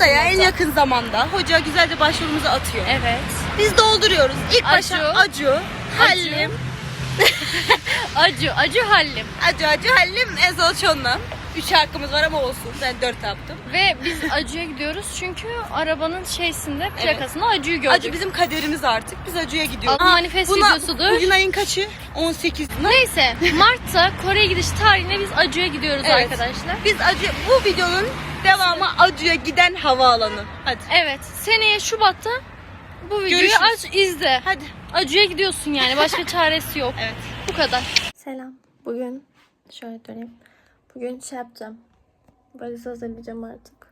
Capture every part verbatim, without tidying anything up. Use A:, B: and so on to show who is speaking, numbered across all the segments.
A: Haftaya en yakın zamanda hoca güzelce başvurumuzu atıyor.
B: Evet.
A: Biz dolduruyoruz. İlk başta
B: Acu.
A: Acu, Hallim.
B: Acu, Acu Hallim.
A: Acu, Acu, Hallim, Ezol Çon'la. Üç şarkımız var ama olsun. Ben dört yaptım.
B: Ve biz Acu'ya gidiyoruz çünkü arabanın şeysinde, plakasında Acu'yu gördük.
A: Acu bizim kaderimiz artık. Biz Acu'ya gidiyoruz.
B: Manifest
A: Buna,
B: videosudur.
A: Bugün ayın kaçı? on sekiz.
B: Neyse, Mart'ta Kore'ye gidiş tarihine biz Acu'ya gidiyoruz
A: Evet.
B: arkadaşlar.
A: Biz Acu, bu videonun devamı Acu'ya giden havaalanı. Hadi.
B: Evet, seneye Şubat'ta bu videoyu
A: Görüşürüz.
B: aç, izle.
A: Hadi.
B: Acu'ya gidiyorsun yani, başka çaresi yok.
A: Evet.
B: Bu kadar.
C: Selam. Bugün şöyle döneyim. Bugün şey yapacağım. Valiz hazırlayacağım artık.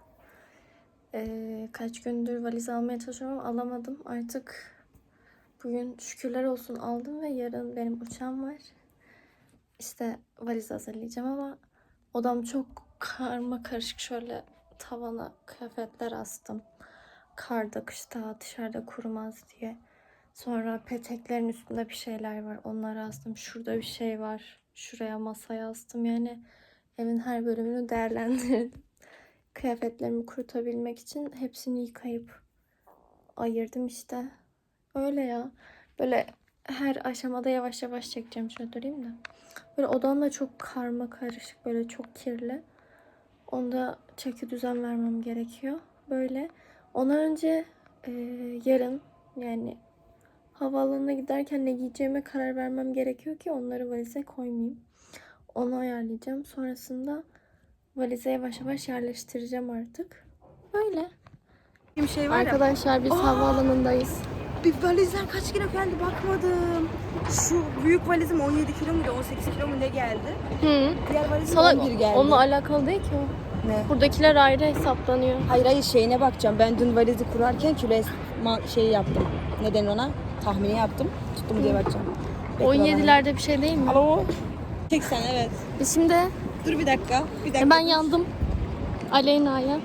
C: Ee, kaç gündür valiz almaya çalışıyorum ama alamadım. Artık bugün şükürler olsun aldım ve yarın benim uçağım var. İşte valiz hazırlayacağım ama odam çok karma karışık, şöyle tavana kıyafetler astım. Karda, kışta, dışarıda kurumaz diye. Sonra peteklerin üstünde bir şeyler var. Onları astım. Şurada bir şey var. Şuraya masaya astım. Yani evin her bölümünü değerlendirdim. Kıyafetlerimi kurutabilmek için hepsini yıkayıp ayırdım işte. Öyle ya. Böyle her aşamada yavaş yavaş çekeceğim. Şöyle durayım da. Böyle odam da çok karma karışık. Böyle çok kirli. Onda çeki düzen vermem gerekiyor. Böyle. Ondan önce e, yarın yani havaalanına giderken ne giyeceğime karar vermem gerekiyor ki onları valize koymayayım. Onu ayarlayacağım. Sonrasında valize yavaş yavaş yerleştireceğim artık. Böyle.
A: Bir şey var ya.
C: Arkadaşlar biz
A: Aa!
C: havaalanındayız.
A: Bir valizler kaç kilo geldi bakmadım. Şu büyük valizim on yedi kilo muydu, on sekiz kilo mu ne geldi?
C: Hı.
A: Diğer valizim
C: Sana
A: on bir geldi.
C: onunla alakalı değil ki o.
D: Ne?
C: Buradakiler ayrı hesaplanıyor.
D: Hayır hayır şeyine bakacağım. Ben dün valizi kurarken kilo ma- şeyi yaptım. Neden ona? Tahmini yaptım. Tuttu mu diye bakacağım. Bekle
C: on
D: bakalım.
C: yedilerde bir şey değil mi?
D: Alo. Tek sen evet.
C: Biz şimdi
A: Dur bir dakika. Bir dakika.
C: ben yandım. Aleyna'ya.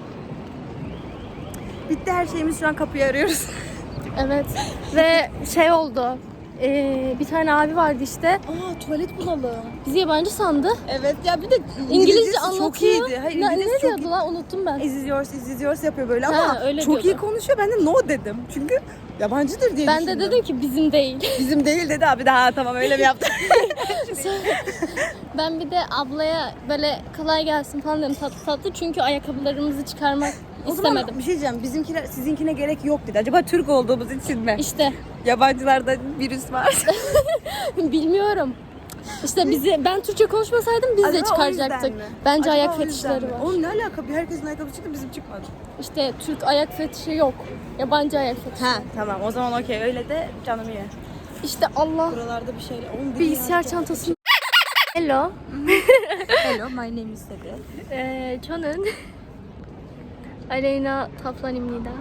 A: Bitti her şeyimiz, şu an kapıyı arıyoruz.
C: Evet. Ve şey oldu. Ee, bir tane abi vardı işte.
D: Aa tuvalet bulalım.
C: Bizi yabancı sandı.
D: Evet ya bir de
C: İngilizce
A: İngilizcesi
C: anlatıyor.
A: çok iyiydi. Hayır,
C: ne,
A: İngilizcesi
C: ne
A: çok
C: diyordu lan, unuttum ben.
A: Is yours, is yours yapıyor böyle
C: Ha,
A: ama
C: öyle
A: çok iyi
C: diyordu.
A: konuşuyor. Ben de no dedim. Çünkü yabancıdır diye
C: Ben
A: düşündüm.
C: de dedim ki bizim değil.
A: Bizim değil dedi abi. Daha tamam öyle mi yaptın?
C: Ben bir de ablaya böyle kolay gelsin falan dedim tatlı tatlı, çünkü ayakkabılarımızı çıkarmak
A: O zaman
C: istemedim.
A: bir şey diyeceğim. Bizimkiler sizinkine gerek yok dedi. Acaba Türk olduğumuz için mi?
C: İşte
A: Yabancılarda virüs var.
C: bilmiyorum. İşte bizi ben Türkçe konuşmasaydım biz de
A: Acaba o
C: çıkaracaktık.
A: yüzden mi?
C: Bence
A: Acaba
C: ayak
A: o yüzden
C: fetişleri
A: mi?
C: var.
A: Oğlum ne alaka? Bir herkesin ayakkabı çıktı, bizim çıkmadı.
C: İşte Türk ayak fetişi yok. Yabancı ayak fetişi.
A: Ha tamam, o zaman okey. Öyle de canım ye.
C: İşte Allah.
D: Buralarda bir şeyler. Oğlum,
C: Bilgisayar çantası. Hello.
D: Hello, my name is Sede.
C: Ee, 저는 Aleyna Taflanimnida.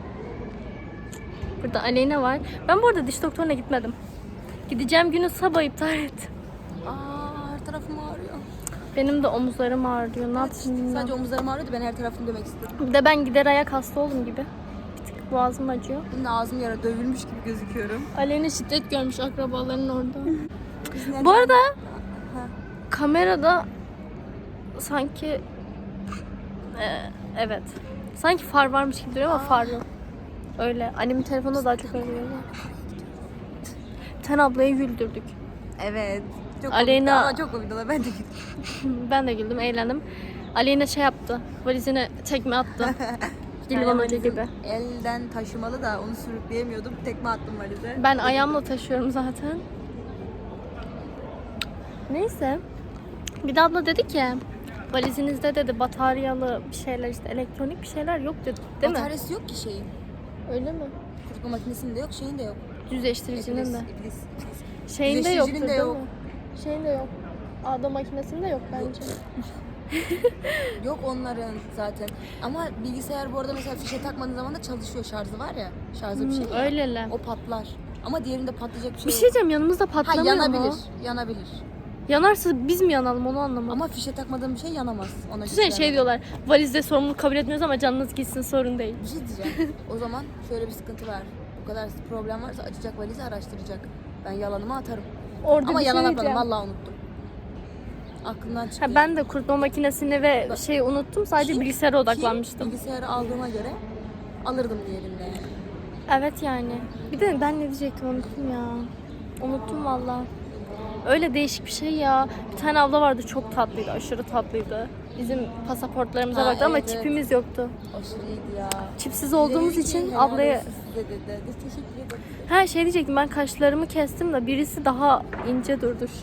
C: Burada Aleyna var. Ben bu arada diş doktoruna gitmedim. Gideceğim günü sabah iptal ettim.
D: Aa her tarafım ağrıyor.
C: Benim de omuzlarım ağrıyor. Ne yapayım
D: Sadece
C: bilmiyorum.
D: omuzlarım ağrıyordu. Ben her tarafımı dövmek istedim.
C: Bir de ben gider ayak hasta oldum gibi. Bir tık boğazım acıyor.
D: Benim de ağzım yara dövülmüş gibi gözüküyorum.
C: Aleyna şiddet görmüş akrabaların orada.
D: Biz neden-
C: Bu arada kamerada sanki Ee, evet. Sanki far varmış gibi duruyor ama far yok. Öyle. Annemin telefonunda daha çok öyle görünüyor. Ten ablayı güldürdük.
D: Evet. Çok
C: Aleyna-
D: komikti ama çok komikti. Ben de gittim.
C: Ben de güldüm, eğlendim. Aleyna şey yaptı. Valizine tekme attı. Dilvan Hoca gibi.
D: Elden taşımalı da onu sürükleyemiyordum. Tekme attım valize.
C: Ben ayağımla taşıyorum zaten. Neyse. Bir de abla dedi ki valizinizde dedi bataryalı bir şeyler, işte elektronik bir şeyler yok dedi. Değil mi?
D: Bataryası yok ki şeyin.
C: Öyle mi?
D: Kurutma makinesinde yok, şeyin de yok.
C: Düzleştiricinin de.
D: İblis, iblis.
C: Şeyinde yoktur
D: Düzleştiricinin de
C: değil
D: yok.
C: mi? Şeyinde yok. Ağda makinesinde yok bence.
D: Yok onların zaten. Ama bilgisayar bu arada mesela fişe takmadığın zaman da çalışıyor, şarjı var ya. Şarjı bir şey ya.
C: Öyle.
D: O patlar. Ama diğerinde patlayacak bir şey
C: Bir
D: yok.
C: şey diyeceğim, yanımızda
D: Ha
C: patlamıyor
D: yanabilir,
C: mu?
D: yanabilir.
C: Yanarsa biz mi yanalım onu anlamadım.
D: Ama fişe takmadığın bir şey yanamaz. Ona
C: Düşünsene
D: güven.
C: şey diyorlar, valizde sorumluluk kabul etmiyoruz ama canınız gitsin, sorun değil.
D: Bir şey diyeceğim. O zaman şöyle bir sıkıntı var. Bu kadar problem varsa açacak valizi araştıracak. Ben yalanımı atarım.
C: Orada
D: Ama
C: bir şey
D: yalan atmadım.
C: diyeceğim.
D: Vallahi unuttum. Aklımdan çıkıyor.
C: Ha, ben de kurutma makinesini ve şeyi unuttum. Sadece
D: Ki-
C: bilgisayara
D: Ki
C: odaklanmıştım.
D: bilgisayarı aldığıma göre alırdım diğerinde yani.
C: Evet yani. Bir de ben ne diyecektim unuttum ya. Unuttum valla. Öyle değişik bir şey ya. Bir tane abla vardı çok tatlıydı. Aşırı tatlıydı. Bizim pasaportlarımıza
D: Ha,
C: baktı ama
D: evet, evet.
C: çipimiz yoktu.
D: Aşırı iyiydi ya.
C: Çipsiz olduğumuz
D: Dedi ki,
C: için
D: helal
C: ablaya...
D: olsun size dedi. Biz teşekkür ederiz.
C: Ha şey diyecektim, ben kaşlarımı kestim de birisi daha ince durdu şu.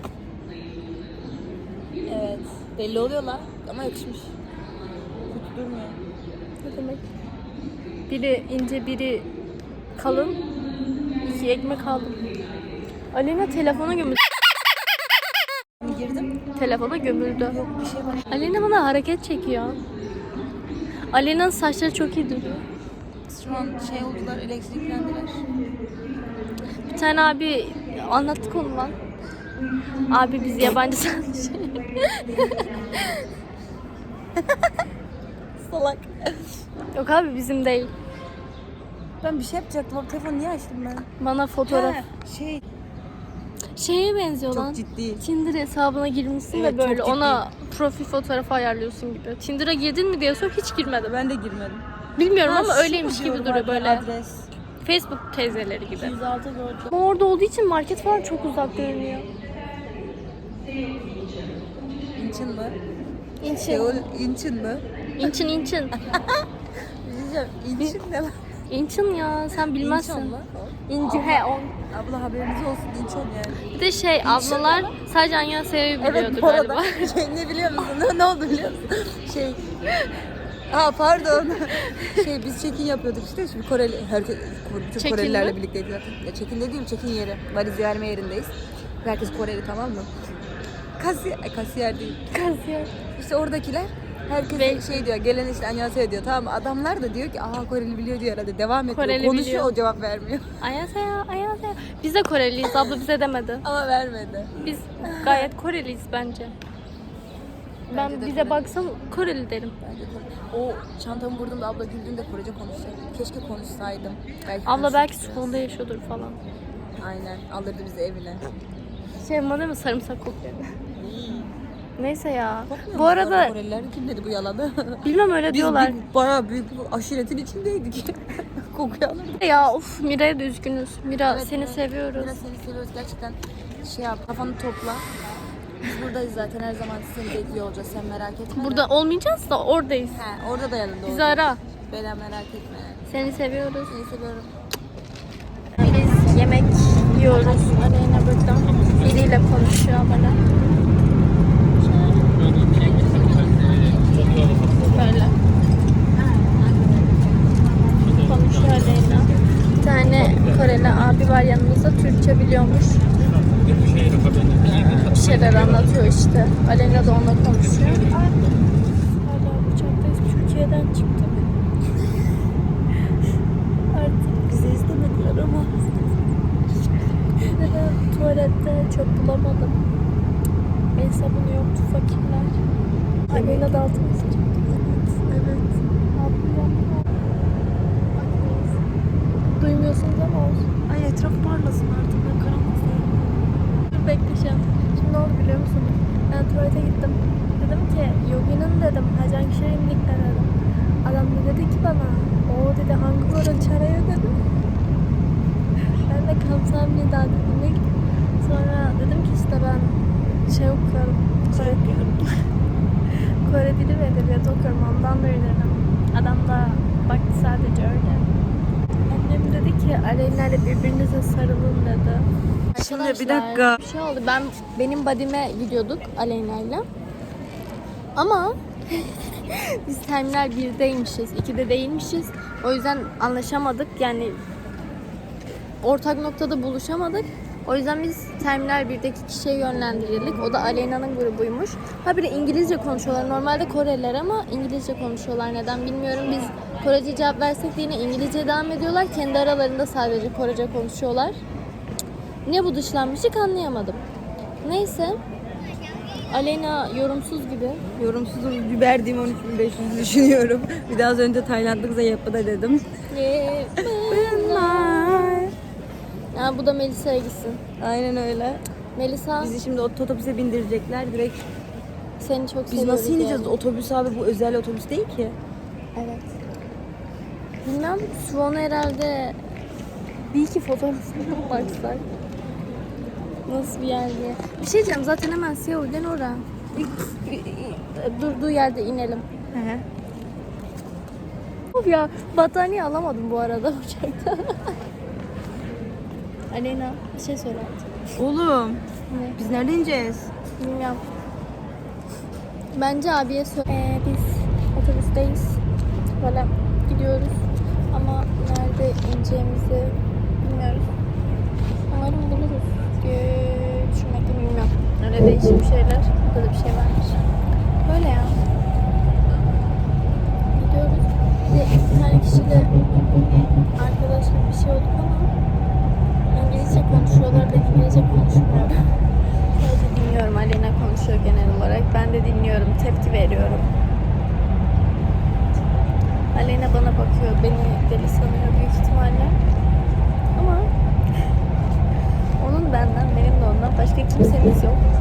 D: Evet. Belli oluyorlar ama yakışmış. Kötü durmuyor.
C: Ne demek? Biri ince, biri kalın. İki ekmek aldım. Alena telefona gömüldü.
D: Girdim.
C: Telefona gömüldü.
D: Yok bir şey var.
C: Alena bana hareket çekiyor. Alena'nın saçları çok iyi duruyor.
D: Şu an şey oldular, elektriklendiler.
C: Bir tane abi anlattık onu lan. Abi biz yabancı sanmış.
D: Salak.
C: Yok abi bizim değil.
D: Ben bir şey yapacaktım. O telefonu niye açtım ben?
C: Bana fotoğraf.
D: He, şey.
C: Şeye benziyor
D: Çok
C: lan.
D: ciddi.
C: Tinder hesabına girmişsin
D: Evet,
C: ve
D: çok
C: böyle
D: ciddi.
C: ona profil fotoğrafı ayarlıyorsun gibi. Tinder'a girdin mi diye sor, hiç girmedim.
D: Ben de girmedim.
C: Bilmiyorum
D: Ha,
C: ama
D: şu
C: öyleymiş gibi
D: diyorum,
C: duruyor böyle.
D: Adres.
C: Facebook teyzeleri gibi.
D: yüz altı gördüm.
C: Ama orada olduğu için market falan çok uzak görünüyor.
D: İnçin mi?
C: İnçin.
D: Seul İnçin mi?
C: İnçin inçin.
D: Diyeceğim. İnçin ne lan?
C: İnçin ya sen bilmezsin.
D: İnçon lan.
C: İnci he on.
D: Abla haberiniz olsun İnçon yani.
C: Bir de şey ablalar sadece Anyase'yi biliyordu
D: Evet bu arada
C: galiba.
D: şey ne biliyor musun? Ne, ne oldu biliyor musun? Şey Ha pardon. Şey biz check-in yapıyorduk işte. Şimdi Koreli, herkes, bütün
C: Check-in
D: Korelilerle
C: mi?
D: birlikteyiz zaten. Ya check-in dediğim check-in yeri. Valiz verme yerindeyiz. Herkes Koreli tamam mı? Kasiyer, ay, kasiyer değil.
C: Kasiyer.
D: İşte oradakiler herkes
C: Ve-
D: şey diyor, gelen işte Annyeonghaseyo diyor tamam mı? Adamlar da diyor ki aha Koreli biliyor diyor herhalde devam ediyor.
C: Koreli
D: Konuşuyor
C: biliyor.
D: o cevap vermiyor.
C: Anyase ya, Anyase. Biz de Koreliyiz, abla bize demedi.
D: Ama vermedi.
C: Biz gayet Koreliyiz bence. Ben
D: Bence de
C: bize
D: Koreli.
C: baksam Koreli derim.
D: Bence Kore- O çantamı vurduğumda abla güldüğünde Korece konuşacaktım. Keşke konuşsaydım. Belki
C: Abla belki
D: konuşurduk
C: skolda
D: biraz.
C: yaşıyordur falan.
D: Aynen alırdı bizi evine.
C: Şey bana değil mi sarımsak kokuyor. Neyse ya.
D: Bakmıyor
C: Bu
D: musun
C: arada
D: orada Koreliler kim dedi bu yalanı?
C: bilmem öyle
D: Biz
C: diyorlar.
D: bir, bayağı büyük bir aşiretin içindeydik. Kokuyu alırdık.
C: Ya of Mira'ya da üzgünüz. Mira
D: Evet,
C: seni
D: evet.
C: seviyoruz.
D: Biraz seni seviyoruz gerçekten. Şey yap kafanı topla. Biz buradayız zaten her zaman seni bekliyor olacağız sen merak etme. de.
C: Burada olmayacağız da oradayız.
D: He, orada da yanında
C: Bizi
D: olacağız.
C: ara.
D: Bela merak etme yani.
C: Seni seviyoruz.
D: Seni seviyorum.
C: Biz yemek yiyoruz. Aleyna burada. Biriyle konuşuyor bana. Böyle. Konuşuyor Aleyna. Bir tane Koreli abi var yanımızda. Türkçe biliyormuş. Bir şeyler anlatıyor işte. Aleyna da onunla konuşuyor. Hala uçaktayız. Türkiye'den çıktık. Artık
D: Bizi istemediler ama.
C: bir de tuvalette çöp bulamadım. El sabunu yoktu fakirler. Aleyna da altını sıcak. Evet, evet. Ablam. Duymuyorsunuz ama olsun.
A: Ay etraf parlasın artık. Ben karanlık
C: Dur bekleyeceğim. Şimdi ne oldu biliyor musunuz? Ben tuvalete gittim. Dedim ki Yogi'nin dedim. Hacan Şirinlik de dedim. Adam da dedi ki bana o dedi hangi varın çaraya dedim. Ben de kamsamnida dedim. İlk. Sonra dedim ki işte ben şey okuyorum. Kore, Kore dili ve edebiyatı okuyorum. Ondan da öğrenirim. Adam da baktı sadece öyle. Annem dedi ki Aleyna ile birbirinize sarılın dedi.
A: Şimdi bir
C: Arkadaşlar,
A: dakika.
C: Bir şey oldu. Ben benim badime gidiyorduk Aleyna'yla. Ama biz terminal birdeymişiz, ikide değilmişiz. O yüzden anlaşamadık. Yani ortak noktada buluşamadık. O yüzden biz terminal birdeki kişiye yönlendirildik. O da Aleyna'nın grubuymuş. Ha bir de İngilizce konuşuyorlar. Normalde Koreliler ama İngilizce konuşuyorlar. Neden bilmiyorum. Biz Korece cevap versek de yine İngilizce devam ediyorlar. Kendi aralarında sadece Korece konuşuyorlar. Ne bu dışlanmışlık anlayamadım. Neyse. Aleyna yorumsuz gibi.
D: Yorumsuzum bir verdiğim on üç bin beş yüz düşünüyorum. Bir daha az önce Taylandlıkza yapıda dedim.
C: Ya bu da Melisa'ya gitsin.
D: Aynen öyle.
C: Melisa
A: Bizi şimdi otobüse bindirecekler direkt.
C: seni çok
A: Biz
C: seviyoruz.
A: nasıl ineceğiz?
C: yani.
A: Otobüs abi, bu özel otobüs değil ki.
C: Evet. Bilmem, Suvan'a herhalde bir iki fotoğrafına baksak. Nasıl bir yer diye. Bir şey diyeceğim, zaten hemen Seul'den oraya. Durduğu yerde inelim.
A: Hı hı.
C: Of ya, battaniye alamadım bu arada uçakta. Aleyna, bir şey söyle artık.
A: Oğlum
C: Ne?
A: biz nerede ineceğiz?
C: Bilmiyorum. Bence abiye söyle. Ee, biz otobüsteyiz. Böyle gidiyoruz. Ama nerede ineceğimizi bilmiyoruz. Umarım buluruz diye düşünmekten bilmiyorum. Öyle değişik bir şeyler. Burada da bir şey varmış. Böyle ya. Gidiyoruz. Bir, de bir tane kişiyle arkadaşla bir şey olduk ama İngilizce konuşuyorlar. Ben İngilizce konuşmuyorum. Sadece dinliyorum. Aleyna konuşuyor genel olarak. Ben de dinliyorum. Tepki veriyorum. Aleyna bana bakıyor. Beni deli sanıyor büyük ihtimalle. Ama onun benden, benim de ondan başka kimsemiz yok.